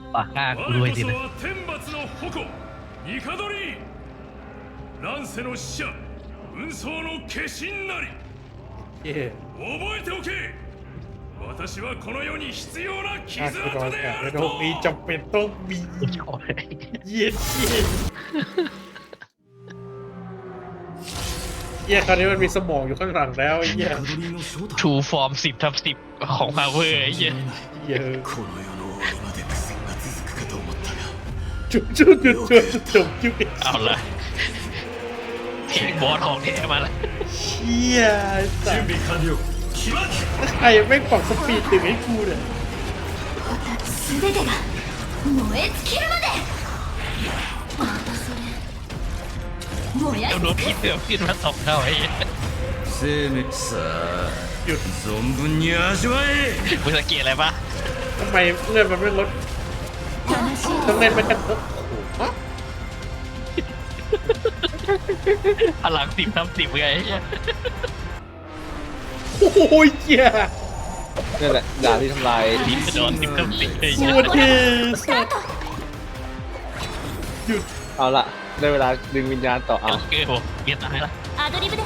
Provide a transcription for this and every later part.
ปากกล้ากูด้วยสินะ天罰の矛ニカドリ乱世の使者運送の化身なり覚えておけ私はこの世に必要な傷跡であるとมีจำเป็นต้องมีเย็นเหี้ยคราวนี้มันมีสมองอยู่ข้างหลังแล้วไอ้เหี้ยทูฟอร์ม10/10ของพาวเวอร์ไอ้เหี้ยเยอะこの世の終わりまで苦戦が続くかと思ったがจุ๊บเอาละเพลงบอสของแท้มาแล้วเชี่ยสั準備完了起爆ใครไม่ปรับสปีดถึงให้กูเนี่ย全てが燃え尽きるまでまたそれ燃やเดี๋ยวโดนพี่เสือขึ้นมา2 เท่าไอ้เหี้ย生命さあ存分に味わえมึงสังเกตอะไรปะทำไมเลื่อนมันไม่ลด悲しいต้องเล่นไปกันฮะพลัง10/10ไงไอ้เหี้ยโอ้ยเหี้ยนี่แหละดาบที่ทำลายลิ้นกระโดน10/10ไอ้สเหี้ยวัสดีスタートหยุดเอาละได้เวลาดึงวิญญาณต่อเอาโอเคโหเกียร์ตายละアドリブで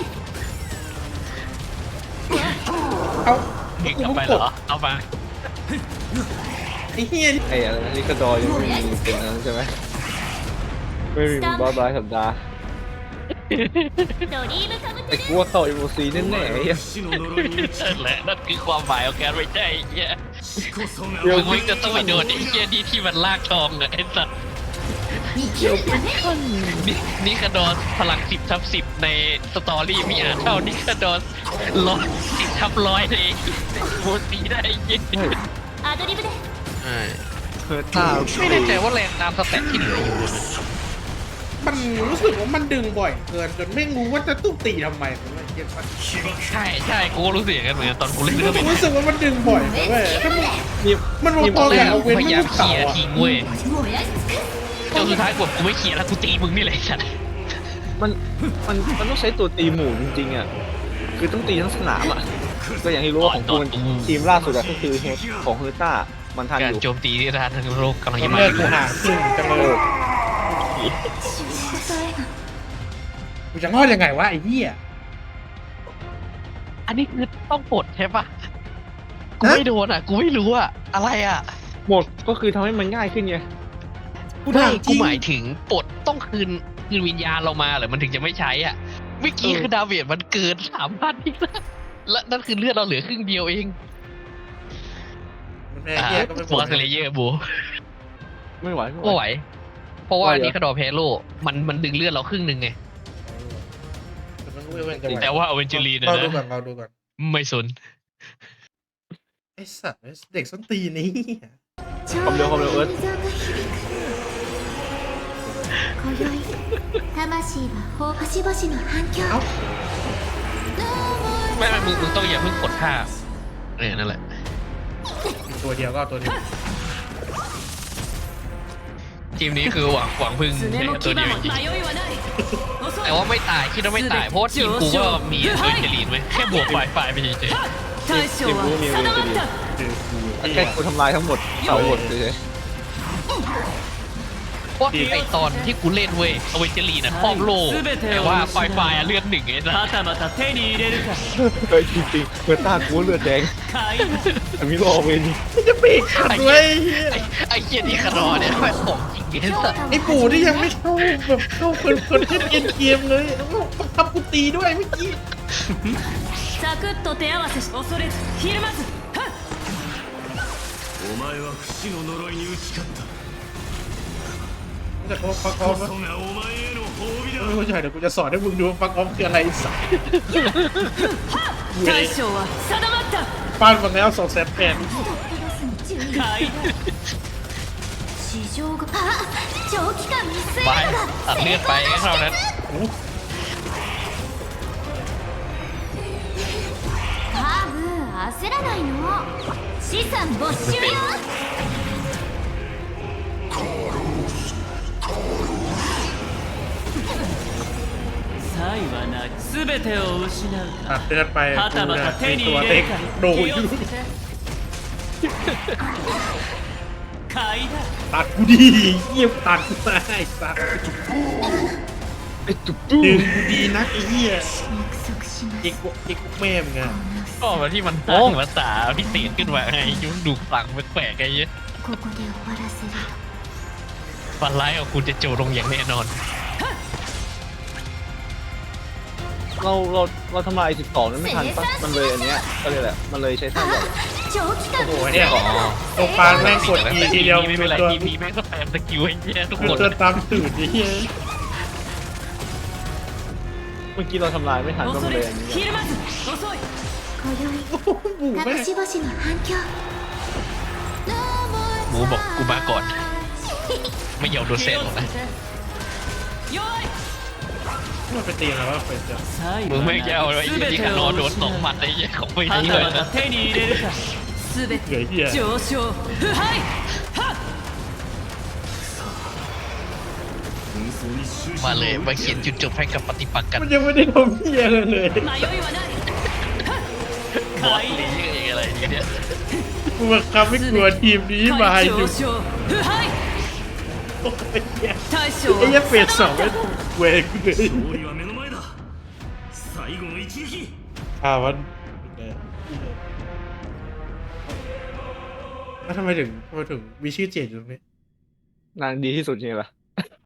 เอาเก่งกลับไปเหรอเอามาไอ้เหี้ยไอ้อะไรนะนี่กระดอยังไม่มีเป็นอันนั้นใช่ไหมไม่มีบอสรายสัปดาห์ドリームカムไอ้กูว่าเข้าเอ็มโอซีแน่ๆไอ้เหี้ย死の呪いに打ちนั่นแหละนั่นคือความหมายของการไม่ใช่ไอ้เหี้ย死こそがมึงจะต้องไปโดนไอ้เหี้ยที่มันลากทองอะไอ้สัตว์生きるためนี่คาดอนพลัง10/10ในสตอรี่มีอ่านเท่านี่คาดอน10/100ในโมซีได้ยิงアドリブでเฮ้ยถ้าไม่แน่ใจว่าแรงตามสแตทที่เหลืออยู่เลยมันรู้สึกว่ามันดึงบ่อยเกินจนไม่รู้ว่าจะต้องตีทำไมผมเลยเก็ตปะใช่กูก็รู้สึกอย่างนั้นเหมือนกันตอนกูเล่นเรื่องเป็นรู้สึกว่ามันดึงบ่อยนะเว้ยถ้ามันนี่มันพอๆกับเอาเว้นพไม่ยายามรู้เคเต่าลียร์อ่ะทิ้งเว้ย燃やし尽くจนสุดท้ายกูไม่เคลียร์แล้วกูตีมึงนี่แหละฉันมันต้องใช้ตัวตีหมู่จริงๆอ่ะคือต้องตีทั้งสนามอ่ะก็อย่างที่รู้ว่าของกูมันทีมล่าสุดอะก็คือเฮดของเฮอร์ต้ามันทันกาอรยู่โจมตีที่ทานทั้งโลกกำลังจะมาเลิกกูห่างครึ่งจังเลย死ぬことへのกูจะรอดยังไงวะไอ้เหี้ยอันนี้คือต้องปลดใช่ปะกูไม่โดนอ่ะกูไม่รู้อ่ะอะไรอ่ะหมดก็คือทำให้มันง่ายขึ้นไงกูไม่ถามจกูริงหมายถึงปลดต้องคืนวิญญาณเรามาเหรอมันถึงจะไม่ใช้อ่ะเมื่อกี้คือดาเมจมันเกิน3,000อีกแล้วและนั่นคือเลือดเราเหลือครึ่งเดียวเองมันแม่เหี้ยก็ไม่บอสเลเยอร์บูไม่ไหวก็ไหว เพราะว่าอันนี้คาดอเพโลมันดึงเลือดเราครึ่งหนึ่งไง แต่ว่าอเวนเจอรีนเราดูนะก่อนเราดูก่อนไม่สนไอ้สัตว์เด็กส้นตีนนี้ความเร็วเอิร์ธ今宵魂は星々の反響ไม่มึงต้องอย่าเพิ่งกดท่านั่นแหละตัวเดียวก็เอาตัวเดียวทีมนี้คือหวังพึ่งแค่ตัวเดียวจริง迷いはないๆแต่ว่าไม่ตายคิดว่าไม่ตายเพราะว่าทีมกูก็มีอเวนเจอรีนไว้แค่บวกฝ่ายไปเฉย大将は定まったแค่กูทำลายทั้งหมดเสาหมดเลยๆเพราะไอตอนที่กูเล่นเว้ยอเวนเจอรีนน่ะครอบโลกแต่ว่าฝ่ายเลือด1ไอ้สัสまたまた手に入れるかเฮ้ยจริงๆเฮอร์ต้ากูเลือดแดง買いแต่มีโลเวนจะปีกขัดเว้ยไอ้เกียนี่คารอเนี่ยแม่งของจริงไอ้สัสไอ้ปู่ที่ยังไม่เข้าแบบเข้าคนเล่นเอ็นเกมเลยบังคับกูตีด้วยเมื่อกี้サクッと手合わせし恐れずひるまずはっお前は不死の呪いに打ち勝ったแต่เขาฟักออこฟそがお前への褒美だไม่ใช่เดี๋ยวกูจะสอนให้มึงดูฟักออฟคืออะไรสัก大将は定まったป้านมาแล้ว200,000 買い地上があ長期間未遂ไปがตัดเลือดไปเท่านั้นカーブ焦らないの資産没収よ才はなく全てを失うตัดเลือดไปはกูたまเนี่ยた手にตัว入เล็れกるかโดน気をつけて買買いだตัดกูดีเยี่ยมตัดกูมาไอ้สัสไอ้ตุ๊บตู้ดึงกูดีนักไอ้เหี้ย約束しますเอ็กแม่มึงอะก็มาที่มันตั้งภาษาพิเศษขึ้นมาไงยุ่งดูฟังแปลกๆไอ้เหี้ยここで終わらせるฟันร้ายของคุณจะโจลงอย่างแน่นอนเราทำลาย12นั้นไม่ทันปะมันเลยอันเนี้ยก็เลยแหละมันเลยใช้ท่าแบบ長期間โอ้โหเนี่ยตรงกลางแม่งกดอีทีเดียวไม่เป็นไรตัวทีมีแม่งก็แปมสกิลไอ้เหี้ยทุกคือคนตัวตามสูตรไอ้เหี้ยเมื่อกี้เราทำลายไม่ทันก็恐มันเลれยอันนี้ひるまず遅い今宵โอ้โหหมูแม่隠งし星に反響หมูบอกกูมาก่อน ไม่ยอมโดนเซนหรอกนะ弱いมันไปตีอะไรวะเป็นจะ最มึง後はไม่แก้วなไอ้くยี่全ที่てคาをโนโดน失う 2 หมัดไอ้ยี่ของไม่はดีたเลยまたนะ手に入れるか全เฮ้ยてเหี้ย上昇腐敗はっ紛争に終止มา符をเลย打มาってเขียやนるจุดจบให้กับปฏิปักษ์กันมันยังไม่ได้ทำเหี้ยเลย迷いはないบอส買いลีเองอะไรอย่างเงี้ยกูบังคับให้กลัวทีมนี้มาให้上ดู昇腐敗โอ้ยเหี้ย大将ไอ้เหี้ยはเฟสสองไม่ถูกเวกเลย勝利は目の前だ最後の一撃วันแล้วทำไมถึงมีชื่อเจดอยู่ตรงนี้นางดีที่สุดจริงๆล่ะ